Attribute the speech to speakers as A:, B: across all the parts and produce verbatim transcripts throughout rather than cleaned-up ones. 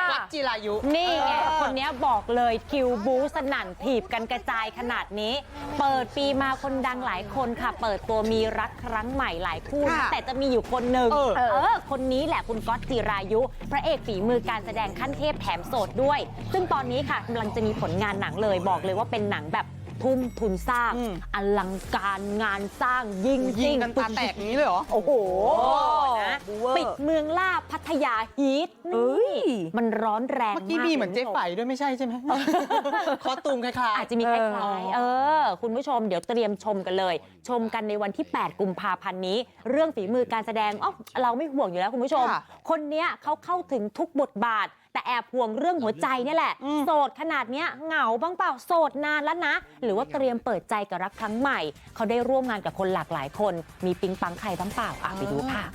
A: ก๊อตจิรายุ
B: นี่ไงคนนี้บอกเลยคิวบูสนั่นถีบกันกระจายขนาดนี้เปิดปีมาคนดังหลายคนค่ะเปิดตัวมีรักครั้งใหม่หลายคู่นะแต่จะมีอยู่คนหนึ่งเออเออคนนี้แหละคุณก๊อตจิรายุพระเอกฝีมือการแสดงขั้นเทพแถมโสดด้วยซึ่งตอนนี้ค่ะกำลังจะมีผลงานหนังเลยบอกเลยว่าเป็นหนังแบบทุ่มทุนสร้างอลังการงานสร้างยิงยิง
A: กันตาแตกนี้เลยเหรอ
B: โอ้โหนะปิดเมืองล่าพัทยาฮีทมันร้อนแรงมาก
A: เมื่อกี้มีเหมือนเจ๊ไฝด้วยไม่ใช่ใช่ไหมคอสตูมคล้าย
B: ๆอาจจะมีคล้ายๆเออคุณผู้ชมเดี๋ยวเตรียมชมกันเลยชมกันในวันที่แปดกุมภาพันธ์นี้เรื่องฝีมือการแสดงอ๋อเราไม่ห่วงอยู่แล้วคุณผู้ชมคนนี้เขาเข้าถึงทุกบทบาทแต่แอบห่วงเรื่องหัวใจนี่แหละโสดขนาดเนี้ยเหงาบ้างเปล่าโสดนานแล้วนะหรือว่าเตรียมเปิดใจกับรักครั้งใหม่เขาได้ร่วมงานกับคนหลากหลายคนมีปิ๊งปังใครบ้างเปล่าอ่ะไปดูค่ะ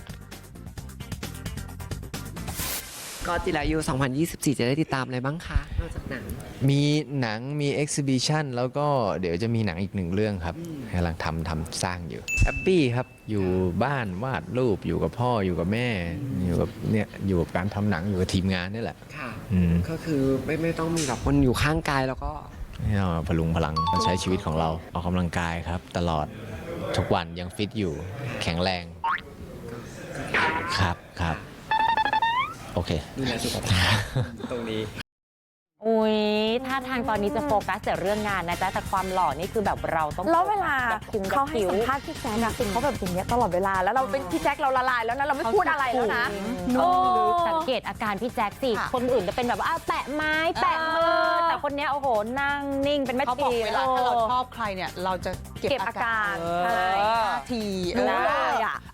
C: ก็จิรายุสองพันยี่สิบสี่จะได้ติดตามอะไรบ้างคะนอกจากหนัง
D: มีหนังมีเอ็กซิบิชันแล้วก็เดี๋ยวจะมีหนังอีกหนึ่งเรื่องครับกำลังทำทำสร้างอยู่แฮปปี้ครับอยู่บ้านวาดรูปอยู่กับพ่ออยู่กับแม่อยู่กับเนี่ยอยู่กับการทำหนังอยู่กับทีมงานนี่แหละ
C: ค่ะ
D: อืม
C: ก็คือไม่ไม่ต้องมีแบบคนอยู่ข้างกายแล้วก็
D: ให้เราพลุงพลังใช้ชีวิตของเราออกกำลังกายครับตลอดทุกวันยังฟิตอยู่แข็งแรงครับครับโอเค
C: ดูแลสุขภาพตรงนี้
B: อุ้ยท่าทางตอนนี้จะโฟกัสแต่เรื่องงานนะจ๊ะแต่ความหล่อนี่คือแบบเราต้อง
E: แล้วเวลาเขาให้สัมภาษณ์พี่แจ๊คอะเขาแบบอย่างเงี้ยตลอดเวลาแล้วเราเป็นพี่แจ๊คเราละลายแล้วนะเราไม่พูดอะไรแล้วนะ
B: โอ้สังเกตอาการพี่แจ๊คสิคนอื่นจะเป็นแบบว่าแตะไม้แตะมือแต่คนนี้โอ้โหนั่งนิ่งเป็นแม่ชี
A: เขาบอกเวลาถ้าเราชอบใครเนี่ยเราจะเก็บอาการ
E: ใช่
A: ที
E: รู้เลยอ่ะ